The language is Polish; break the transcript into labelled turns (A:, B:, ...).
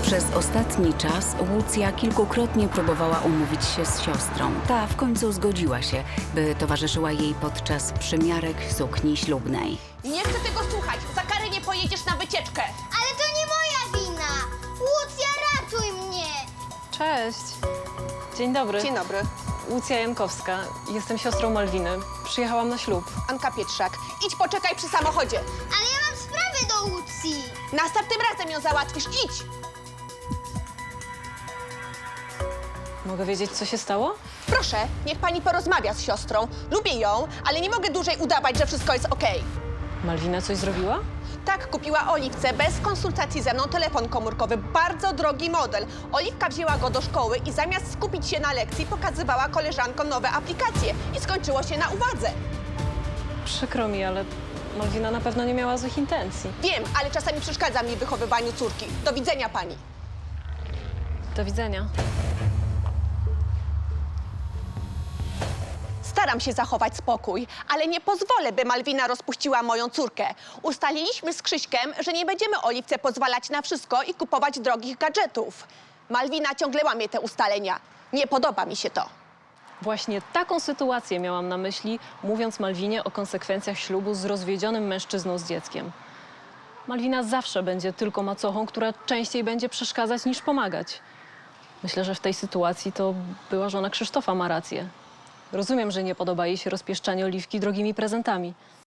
A: Przez ostatni czas Łucja kilkukrotnie próbowała umówić się z siostrą. Ta w końcu zgodziła się, by towarzyszyła jej podczas przymiarek sukni ślubnej.
B: Nie chcę tego słuchać. Za karę nie pojedziesz na wycieczkę.
C: Ale to nie moja wina! Łucja, ratuj mnie!
D: Cześć. Dzień dobry.
B: Dzień dobry.
D: Łucja Jankowska. Jestem siostrą Malwiny. Przyjechałam na ślub.
B: Anka Pietrzak. Idź poczekaj przy samochodzie.
C: Ale ja mam sprawę do Łucji!
B: Następnym razem ją załatwisz. Idź.
D: Mogę wiedzieć, co się stało?
B: Proszę, niech pani porozmawia z siostrą. Lubię ją, ale nie mogę dłużej udawać, że wszystko jest okej.
D: Malwina coś zrobiła?
B: Tak, kupiła Oliwce bez konsultacji ze mną telefon komórkowy. Bardzo drogi model. Oliwka wzięła go do szkoły i zamiast skupić się na lekcji, pokazywała koleżankom nowe aplikacje. I skończyło się na uwadze.
D: Przykro mi, ale Malwina na pewno nie miała złych intencji.
B: Wiem, ale czasami przeszkadza mi w wychowywaniu córki. Do widzenia pani.
D: Do widzenia.
B: Staram się zachować spokój, ale nie pozwolę, by Malwina rozpuściła moją córkę. Ustaliliśmy z Krzyśkiem, że nie będziemy Oliwce pozwalać na wszystko i kupować drogich gadżetów. Malwina ciągle łamie te ustalenia. Nie podoba mi się to.
D: Właśnie taką sytuację miałam na myśli, mówiąc Malwinie o konsekwencjach ślubu z rozwiedzionym mężczyzną z dzieckiem. Malwina zawsze będzie tylko macochą, która częściej będzie przeszkadzać niż pomagać. Myślę, że w tej sytuacji to była żona Krzysztofa ma rację. Rozumiem, że nie podoba jej się rozpieszczanie Oliwki drogimi prezentami.